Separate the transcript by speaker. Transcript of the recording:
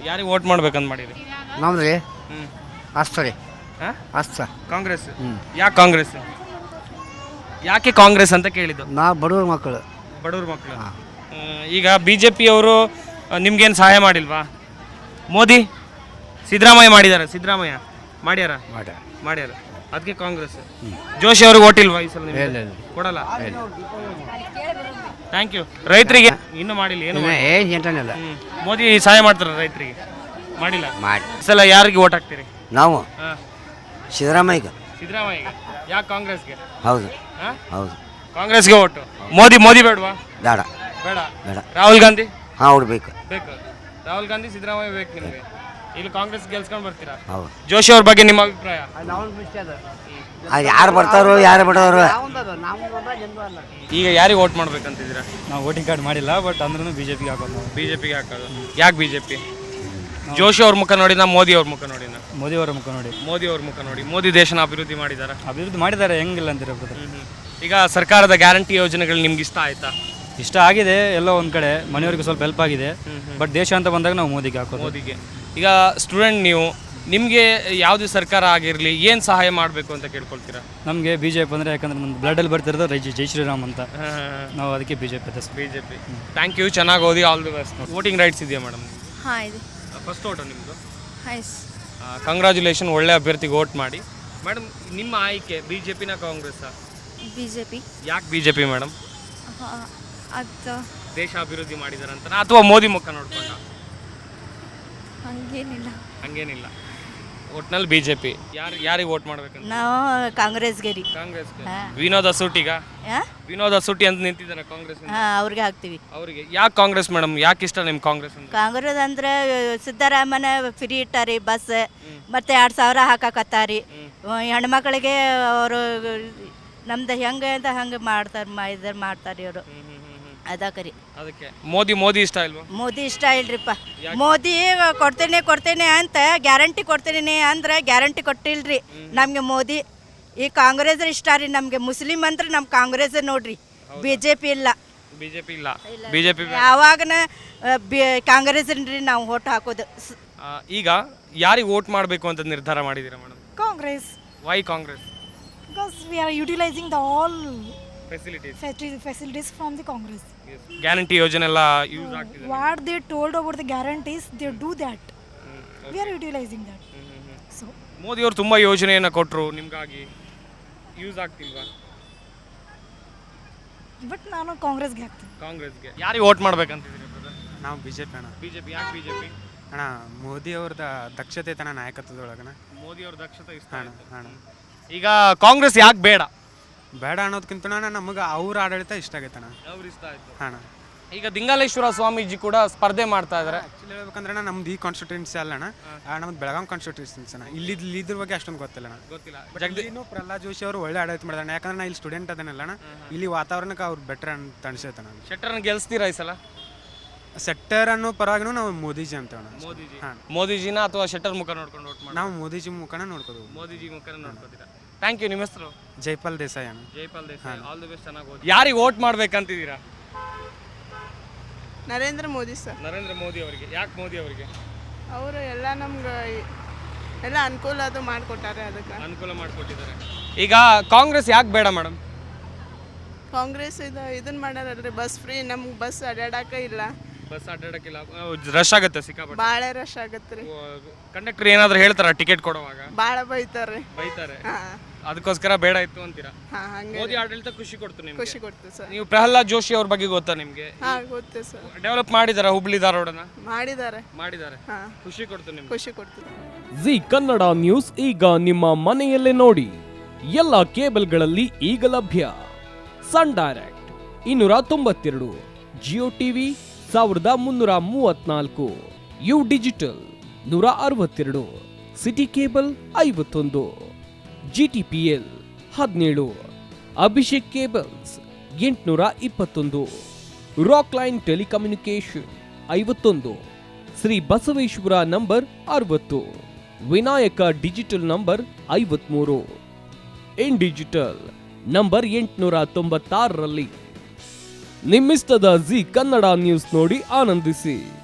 Speaker 1: ಯಾರಿಗೆ ವೋಟ್ ಮಾಡ್ಬೇಕಂತ ಮಾಡಿರಿ?
Speaker 2: ನಮ್ದು ರೀ
Speaker 1: ಹ್ಞೂ
Speaker 2: ಅಸ್ತ ರೀ ಅಸ್ತ
Speaker 1: ಕಾಂಗ್ರೆಸ್. ಯಾಕೆ ಕಾಂಗ್ರೆಸ್? ಯಾಕೆ ಕಾಂಗ್ರೆಸ್ ಅಂತ ಕೇಳಿದ್ದು?
Speaker 2: ನಾ ಬಡವ್ರ ಮಕ್ಕಳು.
Speaker 1: ಬಡವ್ರ ಮಕ್ಕಳು. ಈಗ ಬಿ ಜೆ ಪಿಯವರು ನಿಮ್ಗೇನು ಸಹಾಯ ಮಾಡಿಲ್ವಾ? ಮೋದಿ ಸಿದ್ದರಾಮಯ್ಯ ಮಾಡಿದ್ದಾರೆ. ಸಿದ್ದರಾಮಯ್ಯ ಮಾಡ್ಯಾರ ಮಾಡ್ಯಾರ ಅದಕ್ಕೆ ಕಾಂಗ್ರೆಸ್. ಜೋಶಿ ಅವ್ರಿಗೆ ಓಟಿಲ್ವಾ ಈ ಸಲ? ಕೊಡಲ್ಲ. Thank you. ರೈತರಿಗೆ ಇನ್ನೂ ಮಾಡಿಲ್ಲ. ಏನು
Speaker 2: ಎಂಟನೆಲ್ಲ
Speaker 1: ಮೋದಿ ಸಹಾಯ ಮಾಡ್ತಾರೆ ರೈತರಿಗೆ? ಮಾಡಿಲ್ಲ. ಈ ಸಲ ಯಾರಿಗೆ ಓಟ್ ಹಾಕ್ತೀರಿ?
Speaker 2: ನಾವು
Speaker 1: ಹಾಂ
Speaker 2: ಸಿದ್ದರಾಮಯ್ಯ.
Speaker 1: ಸಿದ್ದರಾಮಯ್ಯಗೆ. ಯಾಕೆ ಕಾಂಗ್ರೆಸ್ಗೆ?
Speaker 2: ಹೌದು
Speaker 1: ಹಾಂ
Speaker 2: ಹೌದು
Speaker 1: ಕಾಂಗ್ರೆಸ್ಗೆ ಓಟು. ಮೋದಿ ಬೇಡವಾ?
Speaker 2: ಬೇಡ
Speaker 1: ಬೇಡ.
Speaker 2: ಬೇಡ.
Speaker 1: ರಾಹುಲ್ ಗಾಂಧಿ
Speaker 2: ಹಾಂ ಅವ್ರು ಬೇಕು.
Speaker 1: ಬೇಕು. ರಾಹುಲ್ ಗಾಂಧಿ ಸಿದ್ದರಾಮಯ್ಯ ಬೇಕು ನಿಮಗೆ. ಇಲ್ಲಿ ಕಾಂಗ್ರೆಸ್ ಗೆಲ್ಸ್ಕೊಂಡು ಬರ್ತೀರಾ?
Speaker 2: ಹೌದು.
Speaker 1: ಜೋಶಿ ಅವ್ರ ಬಗ್ಗೆ ನಿಮ್ಮ ಅಭಿಪ್ರಾಯ?
Speaker 2: ಅದು ಯಾರು ಬರ್ತಾರೋ ಯಾರು ಬಿಡೋರು.
Speaker 1: ಈಗ ಯಾರಿಗೆ ವೋಟ್ ಮಾಡ್ಬೇಕಂತಿದ್ದೀರಾ?
Speaker 3: ನಾವು ವೋಟಿಂಗ್ ಕಾರ್ಡ್ ಮಾಡಿಲ್ಲ, ಬಟ್ ಅಂದ್ರೂ ಬಿಜೆಪಿಗೆ ಹಾಕೋದು. ನಾವು
Speaker 1: ಬಿಜೆಪಿಗೆ ಹಾಕೋದು. ಯಾಕೆ ಬಿಜೆಪಿ? ಜೋಶಿ ಅವ್ರ ಮುಖ ನೋಡಿನ ಮೋದಿ ಅವ್ರ ಮುಖ ನೋಡಿನ?
Speaker 3: ಮೋದಿ ಅವರ ಮುಖ ನೋಡಿ.
Speaker 1: ಮೋದಿ ಅವ್ರ ಮುಖ ನೋಡಿ. ಮೋದಿ ದೇಶನ ಅಭಿವೃದ್ಧಿ ಮಾಡಿದಾರ?
Speaker 3: ಅಭಿವೃದ್ಧಿ ಮಾಡಿದ್ದಾರೆ, ಹೆಂಗಿಲ್ಲ ಅಂತೀರ?
Speaker 1: ಈಗ ಸರ್ಕಾರದ ಗ್ಯಾರಂಟಿ ಯೋಜನೆಗಳು ನಿಮ್ಗೆ ಇಷ್ಟ ಆಯ್ತಾ?
Speaker 3: ಇಷ್ಟ ಆಗಿದೆ, ಎಲ್ಲೋ ಒಂದು ಕಡೆ ಮನೆಯವ್ರಿಗೆ ಸ್ವಲ್ಪ ಹೆಲ್ಪ್ ಆಗಿದೆ. ಬಟ್ ದೇಶ ಅಂತ ಬಂದಾಗ ನಾವು ಮೋದಿಗೆ ಹಾಕೋದು.
Speaker 1: ಮೋದಿಗೆ. ಈಗ ಸ್ಟೂಡೆಂಟ್ ನೀವು, ನಿಮಗೆ ಯಾವುದೇ ಸರ್ಕಾರ ಆಗಿರಲಿ ಏನು ಸಹಾಯ ಮಾಡಬೇಕು ಅಂತ ಕೇಳ್ಕೊಳ್ತೀರಾ?
Speaker 3: ನಮಗೆ ಬಿಜೆಪಿ ಅಂದರೆ ಯಾಕಂದ್ರೆ ನಮ್ಮ ಬ್ಲಡಲ್ಲಿ ಬರ್ತಿರೋದು ಜೈ ಶ್ರೀರಾಮ್ ಅಂತ. ನಾವು ಅದಕ್ಕೆ ಬಿಜೆಪಿ.
Speaker 1: ಬಿಜೆಪಿ. Thank you. ಚೆನ್ನಾಗಿ ಓದಿ. All the best. Voting rights ಇದೆಯಾ ಮೇಡಮ್?
Speaker 4: ಹಾಂ ಇದೆ.
Speaker 1: ಫಸ್ಟ್ ಓಟು ನಿಮ್ಮದು?
Speaker 4: ಹಾಂ.
Speaker 1: ಕಂಗ್ರ್ಯಾಚುಲೇಷನ್. ಒಳ್ಳೆ ಅಭ್ಯರ್ಥಿಗೆ ವೋಟ್ ಮಾಡಿ. ಮೇಡಮ್ ನಿಮ್ಮ ಆಯ್ಕೆ ಬಿಜೆಪಿನ ಕಾಂಗ್ರೆಸ್?
Speaker 4: ಬಿಜೆಪಿ.
Speaker 1: ಯಾಕೆ ಬಿಜೆಪಿ ಮೇಡಮ್?
Speaker 4: ಅದು
Speaker 1: ದೇಶ ಅಭಿವೃದ್ಧಿ ಮಾಡಿದಾರಂತ ಅಥವಾ ಮೋದಿ ಮುಖ ನೋಡ್ಕೊಂಡ? ಹಂಗೇನಿಲ್ಲ. ಒಟ್ನಲ್ಲಿ ಬಿಜೆಪಿ. ಯಾರಿಗೆ ವೋಟ್ ಮಾಡ್ಬೇಕಂತ?
Speaker 4: ನಾವು ಕಾಂಗ್ರೆಸ್ಗೆ ರೀ.
Speaker 1: ಕಾಂಗ್ರೆಸ್ಗೆ. ವಿನೋದ್ ಅಸೂಟಿಗ? ವಿನೋದ್ ಅಸೂಟಿ ಅಂತ ನಿಂತಿದ್ದಾರೆ ಕಾಂಗ್ರೆಸ್.
Speaker 4: ಅವ್ರಿಗೆ ಹಾಕ್ತೀವಿ.
Speaker 1: ಅವರಿಗೆ. ಯಾಕೆ ಕಾಂಗ್ರೆಸ್ ಮೇಡಮ್? ಯಾಕೆ ಇಷ್ಟ ನಿಮ್ಗೆ ಕಾಂಗ್ರೆಸ್?
Speaker 4: ಕಾಂಗ್ರೆಸ್ ಅಂದ್ರೆ ಸಿದ್ದರಾಮಯ್ಯ ಫ್ರೀ ಇಟ್ಟಾರಿ ಬಸ್, ಮತ್ತೆ 2,000 ಹಾಕಕತ್ತಾರಿ. ಹೆಣ್ಮಕ್ಳಿಗೆ ಅವರು ನಮ್ದು ಹೆಂಗೆ ಅಂತ ಹಂಗೆ ಮಾಡ್ತಾರೆ ಇವರು. ಅದಕ್ಕೆ ರೀ.
Speaker 1: ಅದಕ್ಕೆ ಮೋದಿ ಇಷ್ಟ ಇಲ್ವಾ?
Speaker 4: ಮೋದಿ ಇಷ್ಟ ಇಲ್ರಿಪ್ಪ. ಮೋದಿ ಕೊಡ್ತೇನೆ ಅಂತ ಗ್ಯಾರಂಟಿ ಕೊಡ್ತೀನಿ ಅಂದ್ರೆ ಗ್ಯಾರಂಟಿ ಕೊಟ್ಟಿಲ್ರಿ ನಮಗೆ ಮೋದಿ. ಈ ಕಾಂಗ್ರೆಸ್ ಇಷ್ಟ ರೀ ನಮಗೆ. ಮುಸ್ಲಿಂ ಅಂದ್ರೆ ನಮ್ಮ ಕಾಂಗ್ರೆಸ್ ನೋಡ್ರಿ, ಬಿಜೆಪಿ ಇಲ್ಲ. ಬಿಜೆಪಿ ಯಾವಾಗನ ಕಾಂಗ್ರೆಸ್ ರೀ ನಾವು ವೋಟ್ ಹಾಕೋದು.
Speaker 1: ಈಗ ಯಾರಿಗೆ ವೋಟ್ ಮಾಡಬೇಕು ಅಂತ ನಿರ್ಧಾರ ಮಾಡಿದ್ದೀರಾ madam?
Speaker 5: Congress.
Speaker 1: Why Congress?
Speaker 5: Because we are utilizing the all
Speaker 1: facilities
Speaker 5: from the Congress.
Speaker 1: Guarantee ಯೋಜನೆ ಎಲ್ಲ ಯೂಸ್ ಆಗ್ತಿದೆ.
Speaker 5: What they told about the guarantees, they do that. We are utilizing that. So
Speaker 1: Modi ಅವರು ತುಂಬಾ ಯೋಜನೆಯನ್ನ ಕೊಟ್ಟರು, ನಿಮಗಾಗಿ ಯೂಸ್ ಆಗ್ತಿಲ್ವಾ?
Speaker 5: ಬಟ್ ನಾನು ಕಾಂಗ್ರೆಸ್ಗೆ ಹಾಕ್ತೀನಿ.
Speaker 1: ಕಾಂಗ್ರೆಸ್ಗೆ. ಯಾರಿಗೆ ವೋಟ್ ಮಾಡ್ಬೇಕಂತಿದ್ದೀರಿ ಬ್ರದರ್?
Speaker 6: ನಾವು ಬಿಜೆಪಿ ಅಣ್ಣ.
Speaker 1: ಬಿಜೆಪಿ. ಯಾಕೆ ಬಿಜೆಪಿ
Speaker 6: ಅಣ್ಣ? ಮೋದಿ ಅವ್ರದ ದಕ್ಷತೆ ತನ ನಾಯಕತ್ವದೊಳಗಣ
Speaker 1: ಮೋದಿ ಅವ್ರ ದಕ್ಷತೆ ಇಷ್ಟ
Speaker 6: ಅಣ್ಣ.
Speaker 1: ಈಗ ಕಾಂಗ್ರೆಸ್ ಯಾಕೆ ಬೇಡ
Speaker 6: ಅನ್ನೋದಕ್ಕಿಂತ ನಮಗೆ ಅವ್ರ ಆಡಳಿತ ಇಷ್ಟ ಆಗೈತಣ್ಣ.
Speaker 1: ಅವ್ರು ಇಷ್ಟ ಆಯ್ತು
Speaker 6: ಅಣ್ಣ.
Speaker 1: ಈಗ ದಿಂಗಾಲೇಶ್ವರ ಸ್ವಾಮೀಜಿ ಕೂಡ ಸ್ಪರ್ಧೆ ಮಾಡ್ತಾ ಇದ್ದಾರೆ.
Speaker 6: ಆ್ಯಕ್ಚುಲಿ ಹೇಳ್ಬೇಕಂದ್ರೆ ನಮ್ದು ಈ ಕಾನ್ಸ್ಟಿಟ್ಯೂನ್ಸಿ ಅಲ್ಲಣ್ಣ, ನಮ್ದು ಬೆಳಗಾಂ ಕಾನ್ಸ್ಟಿಟ್ಯೂನ್ಸಿ ಅಣ್ಣ. ಇದ್ರ ಬಗ್ಗೆ ಅಷ್ಟೊಂದು ಗೊತ್ತಿಲ್ಲ. ಜಗದೀನು ಪ್ರಹ್ಲಾದ್ ಜೋಶಿ ಅವರು ಒಳ್ಳೆ ಆಡಳಿತ ಮಾಡಿದಾರೆ. ಯಾಕಂದ್ರೆ ನಾ ಇಲ್ಲಿ ಸ್ಟೂಡೆಂಟ್ ಅದನ್ನಲ್ಲಣ್ಣ, ಇಲ್ಲಿ ವಾತಾವರಣಕ್ಕೆ ಅವ್ರು ಬೆಟರ್ ಅಂತ ಅನ್ಸೈತೆ. ನಾನು
Speaker 1: ಶೆಟ್ಟರ್ನ ಗೆಲ್ಸ್ತೀರಾ ಈ ಸಲ?
Speaker 6: ಸೆಟ್ಟರ್ ಅನ್ನೋ ಪರವಾಗಿನೂ ನಾವು ಮೋದಿಜಿ ಅಂತ.
Speaker 1: ಮೋದಿಜಿನ ಅಥವಾ ಶೆಟ್ಟರ್ ಮುಖ ನೋಡ್ಕೊಂಡು ವೋಟ್ ಮಾಡಿ?
Speaker 6: ನಾವು ಮೋದಿಜಿ ಮುಖನ ನೋಡ್ಕೋದು.
Speaker 1: ಮೋದಿಜಿ ಮುಖನ ನೋಡ್ಕೋತೀರಾ? Thank you. ನಿಮ್ಮ ಹೆಸರು?
Speaker 6: ಜೈಪಾಲ್ ದೇಸಾಯಿ ಅಣ್ಣ.
Speaker 1: Jaipal Desai. All the best. ಚೆನ್ನಾಗಿ ಓದಿ. ಯಾರಿಗೆ ವೋಟ್ ಮಾಡ್ಬೇಕಂತಿದ್ದೀರಾ?
Speaker 7: ನರೇಂದ್ರ ಮೋದಿ ಸರ್.
Speaker 1: ನರೇಂದ್ರ ಮೋದಿ ಅವರಿಗೆ. ಯಾಕೆ ಮೋದಿ ಅವರಿಗೆ?
Speaker 7: ಅವರು ಎಲ್ಲ ನಮ್ಗೆ ಎಲ್ಲ ಅನುಕೂಲ ಅದು ಮಾಡಿಕೊಟ್ಟಾರೆ. ಅದಕ್ಕೆ
Speaker 1: ಅನುಕೂಲ ಮಾಡಿಕೊಟ್ಟಿದ್ದಾರೆ. ಈಗ ಕಾಂಗ್ರೆಸ್ ಯಾಕೆ ಬೇಡ ಮೇಡಮ್?
Speaker 7: ಕಾಂಗ್ರೆಸ್ ಇದನ್ನ ಮಾಡ್ಯಾರಲ್ರಿ, ಬಸ್ ಫ್ರೀ. ನಮ್ಗೆ ಬಸ್ ಅಡ್ಡಾಡಕ್ಕೆ ಇಲ್ಲ.
Speaker 1: ಬಸ್ ಅಡ್ಡಾಡಕ್ಕಿಲ್ಲ. ರಶ್ ಆಗುತ್ತೆ ಸಿಕ್ಕಾಪಟ್ಟೆ.
Speaker 7: ಭಾಳ ರಶ್ ಆಗತ್ತೆ ರೀ.
Speaker 1: ಕಂಡಕ್ಟರ್ ಏನಾದ್ರು ಹೇಳ್ತಾರ ಟಿಕೆಟ್ ಕೊಡುವಾಗ?
Speaker 7: ಭಾಳ ಬೈತಾರೆ.
Speaker 1: ಅದಕ್ಕೋಸ್ಕರ ಬೇಡ ಇತ್ತು ಅಂತೀರಾ?
Speaker 7: ಹಂಗೆ
Speaker 1: ಮೋದಿ ಆಡಳಿತ ಖುಷಿ ಕೊಡ್ತು ನಿಮ್ಗೆ?
Speaker 7: ಖುಷಿ ಕೊಡ್ತು ಸರ್.
Speaker 1: ನೀವು ಪ್ರಹ್ಲಾದ್ ಜೋಶಿ ಅವ್ರ ಬಗ್ಗೆ ಗೊತ್ತಾ ನಿಮ್ಗೆ?
Speaker 7: ಗೊತ್ತು ಸರ್.
Speaker 1: ಡೆವಲಪ್ ಮಾಡಿದಾರ ಹುಬ್ಳಿ ಧಾರವಾಡನ?
Speaker 7: ಮಾಡಿದ್ದಾರೆ.
Speaker 1: ಖುಷಿ ಕೊಡ್ತು ನಿಮ್ಗೆ?
Speaker 7: ಖುಷಿ ಕೊಡ್ತು.
Speaker 8: ಜಿ ಕನ್ನಡ ನ್ಯೂಸ್ ಈಗ ನಿಮ್ಮ ಮನೆಯಲ್ಲೇ ನೋಡಿ. ಎಲ್ಲ ಕೇಬಲ್ಗಳಲ್ಲಿ ಈಗ ಲಭ್ಯ. Sun Direct 292, Jio TV 1334, U digital 162, city cable 51, GTPL 17, Abhishek cables 821, Rockline telecommunication 51, Shri Basaveshwara number 60, Vinayaka digital number 53, in digital number 896ರಲ್ಲಿ. ನಿಮ್ಮಿಸ್ತದ ಜಿ ಕನ್ನಡ ನ್ಯೂಸ್ ನೋಡಿ ಆನಂದಿಸಿ.